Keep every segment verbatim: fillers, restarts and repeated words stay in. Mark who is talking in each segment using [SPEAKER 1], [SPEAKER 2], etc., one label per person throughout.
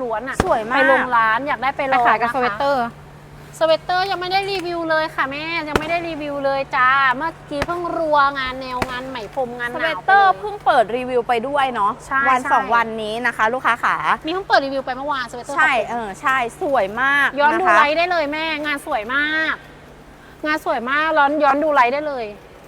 [SPEAKER 1] ล้วนอ่ะ
[SPEAKER 2] สวยมาก
[SPEAKER 1] ไปลงร้านอยากได้ไปล
[SPEAKER 2] ไป
[SPEAKER 1] อง
[SPEAKER 2] ขายกับ
[SPEAKER 1] นะคะ
[SPEAKER 2] สเวตเตอร์
[SPEAKER 1] สเวตเตอร์ยังไม่ได้รีวิวเลยค่ะแม่ยังไม่ได้รีวิวเลยจ้าเมื่อกี้เพิ่งรัวงานแนวงานไหมพรมงาน
[SPEAKER 2] ส
[SPEAKER 1] ห
[SPEAKER 2] เว
[SPEAKER 1] นา
[SPEAKER 2] ต
[SPEAKER 1] ว
[SPEAKER 2] เตอร์เพิ่งเปิดรีวิวไปด้วยเนาะ
[SPEAKER 1] ใช่
[SPEAKER 2] วัน
[SPEAKER 1] ใช่
[SPEAKER 2] สองวันนี้นะคะ ลูกค้าขา
[SPEAKER 1] มีเพิ่งเปิดรีวิวไปเมื่อวานสเวตเตอร์
[SPEAKER 2] ใช่เออใช่สวยมาก
[SPEAKER 1] ย้อนดู
[SPEAKER 2] นะคะ
[SPEAKER 1] ไลฟ์ได้เลยแม่งานสวยมาก งานสวยมากย้อนย้อนดูไลฟ์ได้เลย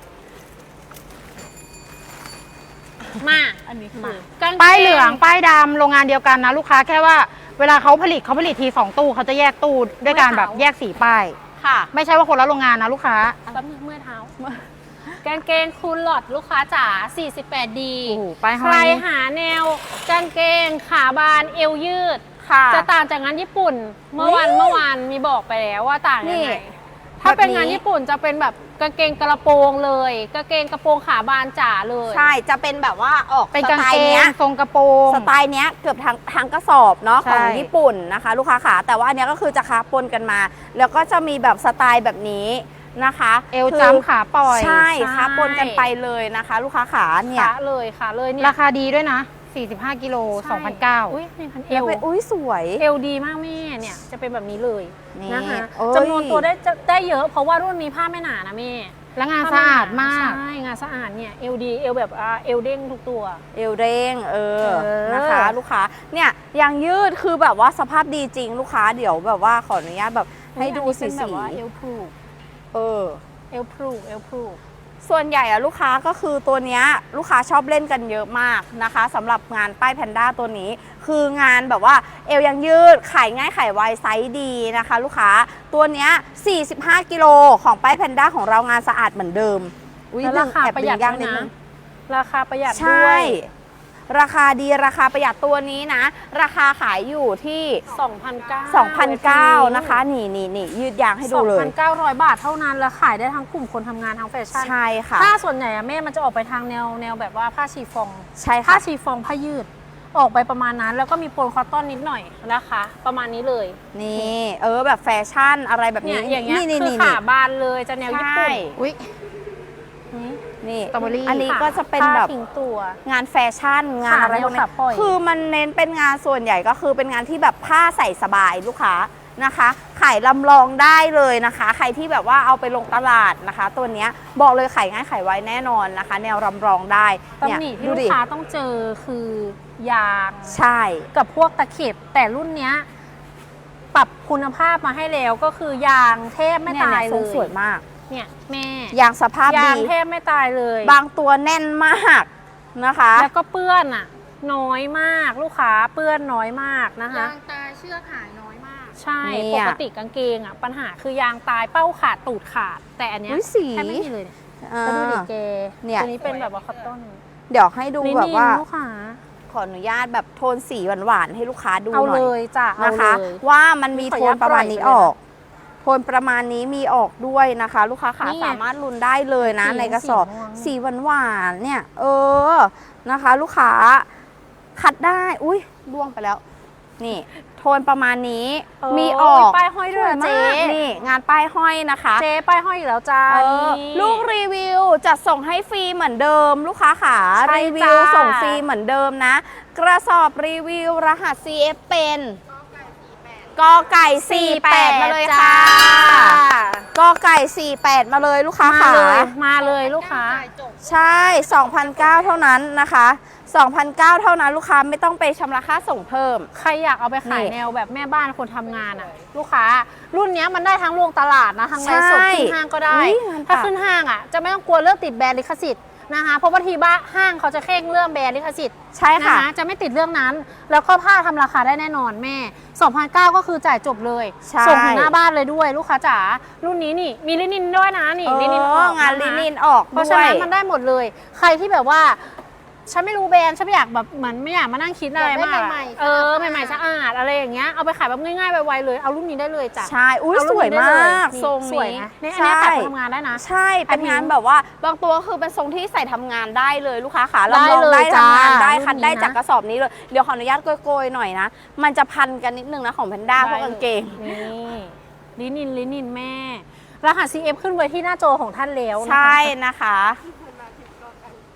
[SPEAKER 1] มาอันนี้คือ
[SPEAKER 2] ป้ายเหลืองป้ายดำโรงงานเดียวกันนะลูกค้าแค่ว่าเวลาเขาผลิตเขาผลิตทีสองตู้เขาจะแยกตู้ด้วยการแบบแยกสีป้าย
[SPEAKER 1] ค่ะ
[SPEAKER 2] ไม่ใช่ว่าคนละโรงงานนะลูกค้า
[SPEAKER 1] แป๊บนึงเมื่อยเท้ากางเกงคูลหลอดลูกค้าจ๋า สี่สิบแปด ดี
[SPEAKER 2] โอ้โหป้ายห้
[SPEAKER 1] ใค
[SPEAKER 2] อ
[SPEAKER 1] ร
[SPEAKER 2] ย
[SPEAKER 1] หาแนวกางเกงขาบานเอวยืด
[SPEAKER 2] ค่ะ
[SPEAKER 1] จะต่างจากงานญี่ปุ่น เมื่อวัน
[SPEAKER 2] อุ๊ย
[SPEAKER 1] เมื่อวานมีบอกไปแล้วว่าต่างยัง
[SPEAKER 2] นี่
[SPEAKER 1] ไงถ้าเป็น
[SPEAKER 2] แบบนี้
[SPEAKER 1] งานญี่ปุ่นจะเป็นแบบกางเกงกระโปรงเลยกางเกงกระโปรงขาบานจ๋าเลย
[SPEAKER 2] ใช่จะเป็นแบบว่าออก
[SPEAKER 1] เป็น
[SPEAKER 2] ส
[SPEAKER 1] กาง
[SPEAKER 2] ไต
[SPEAKER 1] เก
[SPEAKER 2] ล์
[SPEAKER 1] ง
[SPEAKER 2] เนี้ย
[SPEAKER 1] ทรงกระโปรง
[SPEAKER 2] สไตล์เนี้ยเกือบทั้งทั้งกระสอบเนาะ
[SPEAKER 1] ใช่
[SPEAKER 2] ของญี่ปุ่นนะคะ ลูกค้าขาแต่ว่าอันเนี้ยก็คือจะค้าปนกันมา แล้วก็จะมีแบบสไตล์แบบนี้นะคะ
[SPEAKER 1] เอว
[SPEAKER 2] คือ
[SPEAKER 1] จำขาปล่อย
[SPEAKER 2] ใช่
[SPEAKER 1] ใช่
[SPEAKER 2] ค้าปนกันไปเลยนะคะ ลูกค้าขาเนี่ย
[SPEAKER 1] ขาเลยค่ะเลยเนี่ย
[SPEAKER 2] ราคาดีด้วยนะ สี่สิบห้ากิโล
[SPEAKER 1] ใช่
[SPEAKER 2] สองพันเก้า
[SPEAKER 1] อุ้ยนี่พันเอ
[SPEAKER 2] แล้ว
[SPEAKER 1] ว
[SPEAKER 2] เป็นอุ้ยสวย
[SPEAKER 1] เอวดีมากแม่เนี่ยจะเป็นแบบนี้เลย
[SPEAKER 2] นี่
[SPEAKER 1] นะคะ
[SPEAKER 2] เอ้ย
[SPEAKER 1] จำนวนตัวได้จะได้เยอะเพราะว่ารุ่นนี้ผ้าไม่หนานะแม่
[SPEAKER 2] แล้วงานสะอาดมาก
[SPEAKER 1] ใช่งานสะอาดเนี่ยเอวดีเอวแบบอ่าเอวเด้งทุกตัว
[SPEAKER 2] เอวเด้งเออ
[SPEAKER 1] เออ
[SPEAKER 2] นะคะ ลูกค้าเนี่ยยางยืดคือแบบว่าสภาพดีจริงลูกค้าเดี๋ยวแบบว่าขออนุญาตแบบให้ดูสี
[SPEAKER 1] อันนี้เป็นแบ
[SPEAKER 2] สี
[SPEAKER 1] บว่าเอวพรู
[SPEAKER 2] เออ
[SPEAKER 1] เอวพรูเอวพรู
[SPEAKER 2] ส่วนใหญ่อะลูกค้าก็คือตัวเนี้ยลูกค้าชอบเล่นกันเยอะมากนะคะสำหรับงานป้ายแพนด้าตัวนี้ คืองานแบบว่าเอวยังยืดขายง่ายขายไวไซส์ดีนะคะ ลูกค้าตัวเนี้ยสี่สิบห้ากิโลของป้ายแพนด้าของเรางานสะอาดเหมือนเดิมอุ๊ย
[SPEAKER 1] แล้วราคา
[SPEAKER 2] แอบ
[SPEAKER 1] ประหยัด
[SPEAKER 2] ย่าง
[SPEAKER 1] ด้วย
[SPEAKER 2] นิด
[SPEAKER 1] นะ
[SPEAKER 2] นึง
[SPEAKER 1] ราคาประหยัด
[SPEAKER 2] ใช
[SPEAKER 1] ด้ว่ ย
[SPEAKER 2] ราคาดีราคาประหยัดตัวนี้นะ ราคาขายอยู่ที่
[SPEAKER 1] สองพันเก้า
[SPEAKER 2] สองพันเก้าร้อย นะคะ นี่นี่นี่ยืดยางให้ดูเลย
[SPEAKER 1] สองพันเก้าร้อยบาทเท่านั้นแล้วขายได้ทั้งกลุ่มคนทำงานทั้งแฟชั่น
[SPEAKER 2] ใช่ค่ะ
[SPEAKER 1] ผ้าส่วนใหญ่อะแม่มันจะออกไปทางแนวแนวแบบว่าผ้าชีฟอง
[SPEAKER 2] ใช่
[SPEAKER 1] ผ้า
[SPEAKER 2] ค่ะ
[SPEAKER 1] ชีฟองผ้ายืด ออกไปประมาณนั้น แล้วก็มีโปนคอตตอนนิดหน่อยนะคะ ประมาณนี้เลย
[SPEAKER 2] นี่เออแบบแฟชั่นอะไรแบบ
[SPEAKER 1] เนี่
[SPEAKER 2] นี้
[SPEAKER 1] ยอย่างเงี้ย
[SPEAKER 2] นี่
[SPEAKER 1] คือ
[SPEAKER 2] นี่
[SPEAKER 1] ขาบานเลยจะแนวญี่ปุ่น
[SPEAKER 2] ใช่
[SPEAKER 1] อุ้ย
[SPEAKER 2] นี่
[SPEAKER 1] สตรอเบอรี่
[SPEAKER 2] อันนี้ก็จะเป็น
[SPEAKER 1] ผ้า
[SPEAKER 2] แบบ
[SPEAKER 1] ทิ้งตัว
[SPEAKER 2] งานแฟชั่นงานอะไรพวก
[SPEAKER 1] ขา
[SPEAKER 2] นี้
[SPEAKER 1] ขาปล่อย
[SPEAKER 2] คือมันเน้นเป็นงานส่วนใหญ่ก็คือเป็นงานที่แบบผ้าใส่สบายลูกค้านะคะขายลำลองได้เลยนะคะ ใครที่แบบว่าเอาไปลงตลาดนะคะ ตัวเนี้ยบอกเลยขายง่ายขายไวแน่นอนนะคะ แนวลำลองได้เนี่ย
[SPEAKER 1] ตำหนิที่
[SPEAKER 2] ดู
[SPEAKER 1] ลู
[SPEAKER 2] ดิ
[SPEAKER 1] กค้าต้องเจอคือยาง
[SPEAKER 2] ใช่
[SPEAKER 1] กับพวกตะเข็บแต่รุ่นเนี้ยปรับคุณภาพมาให้แล้วก็คือยางแทบไม่
[SPEAKER 2] เนี่ย
[SPEAKER 1] ตาย
[SPEAKER 2] เนี่ย
[SPEAKER 1] เล
[SPEAKER 2] ทรง
[SPEAKER 1] ย
[SPEAKER 2] สวยมาก
[SPEAKER 1] เนี่ยแม่
[SPEAKER 2] ยางสภาพ
[SPEAKER 1] ยา
[SPEAKER 2] ดี
[SPEAKER 1] งแทบไม่ตายเลย
[SPEAKER 2] บางตัวแน่นมากนะคะ
[SPEAKER 1] แล้วก็เปื้อนอ่ะ น้อยมากลูกค้าเปื้อนน้อยมากนะคะ
[SPEAKER 3] ยางตายเชือกหายน้อยมาก
[SPEAKER 1] ใช่
[SPEAKER 2] เนี่
[SPEAKER 1] ป
[SPEAKER 2] ย
[SPEAKER 1] กติกางเกงอ่ะปัญหาคือยางตายเป้าขาดตูดขาด แต่อันเนี้ย
[SPEAKER 2] อุ๊ยสี
[SPEAKER 1] แทบไม่มีเลยเนี่ย
[SPEAKER 2] อ่า
[SPEAKER 1] แล้วดูดิเก
[SPEAKER 2] เนี่ย
[SPEAKER 1] ตัวนี้เป็นแบบว่าคอตตอน
[SPEAKER 2] เดี๋ยวให้ดู
[SPEAKER 1] ลิ
[SPEAKER 2] แบบ
[SPEAKER 1] นิน
[SPEAKER 2] ว่า
[SPEAKER 1] ลูกค้า
[SPEAKER 2] ขออนุญาตแบบโทนสีหวานๆให้ลูกค้าดูห
[SPEAKER 1] เอา
[SPEAKER 2] น่
[SPEAKER 1] เล
[SPEAKER 2] อย
[SPEAKER 1] ยจ้ะเอา
[SPEAKER 2] นะคะ
[SPEAKER 1] เลย
[SPEAKER 2] ว่ามันมี
[SPEAKER 1] ขอ
[SPEAKER 2] โท
[SPEAKER 1] อนุญาน ต
[SPEAKER 2] ประมาณนี้
[SPEAKER 1] ปล่อยไปเลยนะ
[SPEAKER 2] ออก โทนประมาณนี้มีออกด้วยนะคะ ลูกค้าขา
[SPEAKER 1] นี่ไง
[SPEAKER 2] สามารถลุ้นได้เลยนะ
[SPEAKER 1] สี
[SPEAKER 2] ในกระสอบ
[SPEAKER 1] สีม่วง
[SPEAKER 2] สีหวานๆเนี่ย เออนะคะ ลูกค้าคัดได้อุ้ยล่วงไปแล้ว นี่ โทนประมาณนี้
[SPEAKER 1] เออ
[SPEAKER 2] มีออก
[SPEAKER 1] ป้ายห้อยด้วย
[SPEAKER 2] ส
[SPEAKER 1] เจ๊
[SPEAKER 2] มากนี่งานป้ายห้อยนะคะ
[SPEAKER 1] เจ๊ป้ายห้อยอยู่แล้วจ้า
[SPEAKER 2] เออ
[SPEAKER 1] นี่
[SPEAKER 2] ลูกรีวิวจัดส่งให้ฟรีเหมือนเดิม ลูกค้าขา
[SPEAKER 1] ใช่
[SPEAKER 2] รีวิว
[SPEAKER 1] จ้า
[SPEAKER 2] ส่งฟรีเหมือนเดิมนะ กระสอบรีวิวรหัส ซี เอฟ เป็นกอไก่สี่แปดมาเลยค่ะ กอไก่สี่แปดมาเลยลูกค้า
[SPEAKER 1] มา
[SPEAKER 2] ขา
[SPEAKER 1] เลยมาเลยลูกค้า
[SPEAKER 2] ใช่ สองพันเก้าร้อย เท่านั้นนะคะสองพันเก้าร้อย เท่านั้นลูกค้าไม่ต้องไปชำระค่าส่งเพิ่ม
[SPEAKER 1] ใครอยากเอาไปขาย
[SPEAKER 2] นี่
[SPEAKER 1] แนวแบบแม่บ้านคนทำงานอ่ะ ลูกค้า รุ่นเนี้ยมันได้ทั้งโรงตลาดนะทั้งไลฟ์สด
[SPEAKER 2] ใช่
[SPEAKER 1] ขึ้นห้างก็ได้
[SPEAKER 2] อุ๊ยงาน
[SPEAKER 1] ถ้า
[SPEAKER 2] ปัก
[SPEAKER 1] ขึ้นห้างอ่ะจะไม่ต้องกลัวเรื่องติดแบรนด์ลิขสิทธิ์นะคะเพราะบางทีบ้าห้างเขาจะเข่งเรื่องแบรนด์ลิขสิทธิ์
[SPEAKER 2] ใช่
[SPEAKER 1] นะ
[SPEAKER 2] ค่ะ
[SPEAKER 1] คะจะไม่ติดเรื่องนั้น แล้วก็ผ้าทำราคาได้แน่นอนแม่ สองพันเก้าร้อย ก็คือจ่ายจบเลย
[SPEAKER 2] ใช่
[SPEAKER 1] ส่งถึงหน้าบ้านเลยด้วย ลูกค้าจ๋ารุ่นนี้นี่มีลินินด้วยนะนี่
[SPEAKER 2] เอ
[SPEAKER 1] ลินินอ
[SPEAKER 2] อ
[SPEAKER 1] อก
[SPEAKER 2] งาน
[SPEAKER 1] ะคะ
[SPEAKER 2] ลินินออก
[SPEAKER 1] เพราะ
[SPEAKER 2] ด้
[SPEAKER 1] ฉะ
[SPEAKER 2] วย
[SPEAKER 1] นั้นมันได้หมดเลย ใครที่แบบว่าฉันไม่รู้แบรนด์ฉันไม่อยากแบบเหมือนไม่อยากมานั่งคิดอะไร
[SPEAKER 3] อยากได้
[SPEAKER 1] มาก
[SPEAKER 3] ใหม่ๆ
[SPEAKER 1] เออ
[SPEAKER 3] สะอาด
[SPEAKER 1] ใหม่ๆสะอาดอะไรอย่างเงี้ยเอาไปขายแบบง่ายๆไวๆเลยเอารุ่นนี้ได้เลยจ้ะ
[SPEAKER 2] ใช่อุ้ย
[SPEAKER 1] เา
[SPEAKER 2] ส
[SPEAKER 1] รุ่น
[SPEAKER 2] วย
[SPEAKER 1] นี้ได้
[SPEAKER 2] มา
[SPEAKER 1] เลย
[SPEAKER 2] ก
[SPEAKER 1] นี่
[SPEAKER 2] ทรง
[SPEAKER 1] สวย
[SPEAKER 2] นี้
[SPEAKER 1] นะเนี่ยอันเนี้ยขายคนทำงานได้นะ
[SPEAKER 2] ใช่เป็นงานแบบว่าบางตัวคือเป็นทรงที่ใส่ทำงานได้เลยลูกค้าขา
[SPEAKER 1] ได้
[SPEAKER 2] ลำลอง
[SPEAKER 1] เลย
[SPEAKER 2] ได้ทำงาน
[SPEAKER 1] จ้า
[SPEAKER 2] ได้
[SPEAKER 1] รุ่น
[SPEAKER 2] คัด
[SPEAKER 1] นี้
[SPEAKER 2] ได้
[SPEAKER 1] นะ
[SPEAKER 2] จากกระสอบนี้เลยเดี๋ยวขออนุญาตโกยๆหน่อยนะมันจะพันกันนิดนึงนะของแพนด้าพวกกางเกง
[SPEAKER 1] นี่ลินินลินินแม่ รหัส ซี เอฟ ขึ้นไว้ที่หน้าจอของท่านแล้วนะคะ
[SPEAKER 2] ใช่นะคะ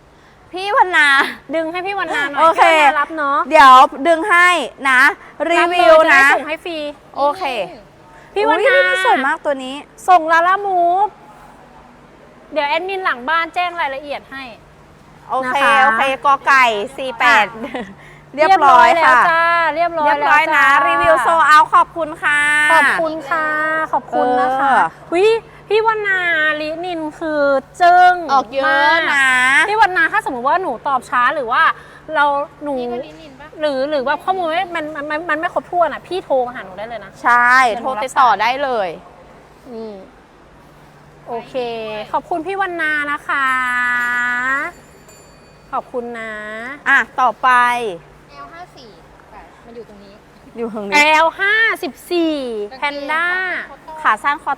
[SPEAKER 2] พี่วันนา
[SPEAKER 1] ดึงให้พี่วันนาหน่อย
[SPEAKER 2] โอเค
[SPEAKER 1] พี่วันนารับเนาะ
[SPEAKER 2] เดี๋ยวดึงให้นะ รีวิว
[SPEAKER 1] รับเลยจ
[SPEAKER 2] นะ
[SPEAKER 1] ได้ส่งให้ฟรี
[SPEAKER 2] โอเค
[SPEAKER 1] พี่วัน
[SPEAKER 2] อุ๊ย
[SPEAKER 1] นา
[SPEAKER 2] นี่สวยมากตัวนี้
[SPEAKER 1] ส่งลาล่ามูฟเดี๋ยวแอดมินหลังบ้านแจ้งรายละเอียดให้
[SPEAKER 2] โอเค
[SPEAKER 1] นะคะ
[SPEAKER 2] โอเคกอไก่สี่แปดเรียบร้อย
[SPEAKER 1] แล้ว
[SPEAKER 2] ค่ะ
[SPEAKER 1] จ้าเรียบร้อย
[SPEAKER 2] เรียบร้อย
[SPEAKER 1] แล้ว
[SPEAKER 2] นะ
[SPEAKER 1] จ้า
[SPEAKER 2] รีวิวโซเอาขอบคุณค่ะ
[SPEAKER 1] ขอบคุณค่ะ ขอบคุณนะคะ
[SPEAKER 2] เออ
[SPEAKER 1] วิพี่วันนาลินินคือจึ้ง
[SPEAKER 2] ออกเยอะ
[SPEAKER 1] มาก
[SPEAKER 2] นะ
[SPEAKER 1] พี่วันนาถ้าสมมติว่าหนูตอบช้าหรือว่าเราหนู
[SPEAKER 3] นี่ก็ลินินปะ
[SPEAKER 1] หรือหรือว่าข้อมูลไม่มันมันมันมันไม่ครบถ้วนอ่ะพี่โทรมาหาหนูได้เลยนะ
[SPEAKER 2] ใช่ โทรติดต่อได้เลย
[SPEAKER 1] อืมโอเค ขอบคุณพี่วันนานะคะ ขอบคุณนะ
[SPEAKER 2] อ่ะ ต่อไป
[SPEAKER 3] แอลห้าสี่แต่มันอยู่ตรงนี้
[SPEAKER 2] อยู่ตรง
[SPEAKER 1] แอ
[SPEAKER 2] นี้
[SPEAKER 1] ลห้าสิบสี่แพนด้า
[SPEAKER 2] ขาสั้นคอ